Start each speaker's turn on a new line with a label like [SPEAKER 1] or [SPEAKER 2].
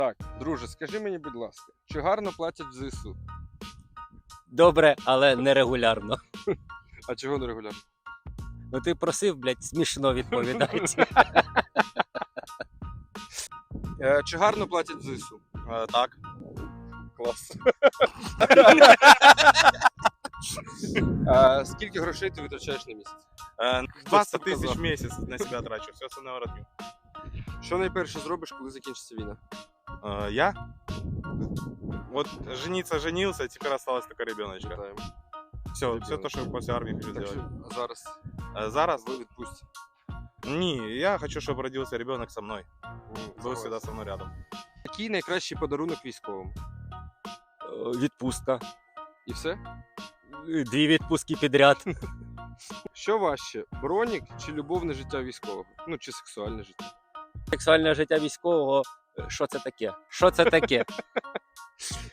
[SPEAKER 1] Так, друже, скажи мені, будь ласка, чи гарно платять в ЗСУ?
[SPEAKER 2] Добре, але нерегулярно.
[SPEAKER 1] А чого не регулярно?
[SPEAKER 2] Ну ти просив, блядь, смішно відповідати.
[SPEAKER 1] Чи гарно платять в ЗСУ?
[SPEAKER 3] Так.
[SPEAKER 1] Клас. Скільки грошей ти витрачаєш на місяць?
[SPEAKER 3] 20
[SPEAKER 1] сказал?
[SPEAKER 3] тысяч в месяц на себя трачу, все остальное родню.
[SPEAKER 1] Що найперше зробиш, коли закінчиться війна?
[SPEAKER 3] Я? Вот жениться женился, теперь осталась только ребеночка.
[SPEAKER 1] Вітаємо.
[SPEAKER 3] Все,
[SPEAKER 1] Ребенок.
[SPEAKER 3] все то, что после армии хочу
[SPEAKER 1] Так
[SPEAKER 3] сделать.
[SPEAKER 1] що зараз
[SPEAKER 3] Зараз?
[SPEAKER 1] ви відпустці.
[SPEAKER 3] Не, я хочу, чтобы родился ребенок со мной. Был
[SPEAKER 1] Клас.
[SPEAKER 3] всегда со мной рядом.
[SPEAKER 1] Який найкращий подарунок військовим?
[SPEAKER 2] Відпустка.
[SPEAKER 1] І все?
[SPEAKER 2] 2 відпустки підряд.
[SPEAKER 1] Що важче, бронік чи любовне життя військового? Ну, чи сексуальне життя?
[SPEAKER 2] Сексуальне життя військового. Що це таке? Що це таке?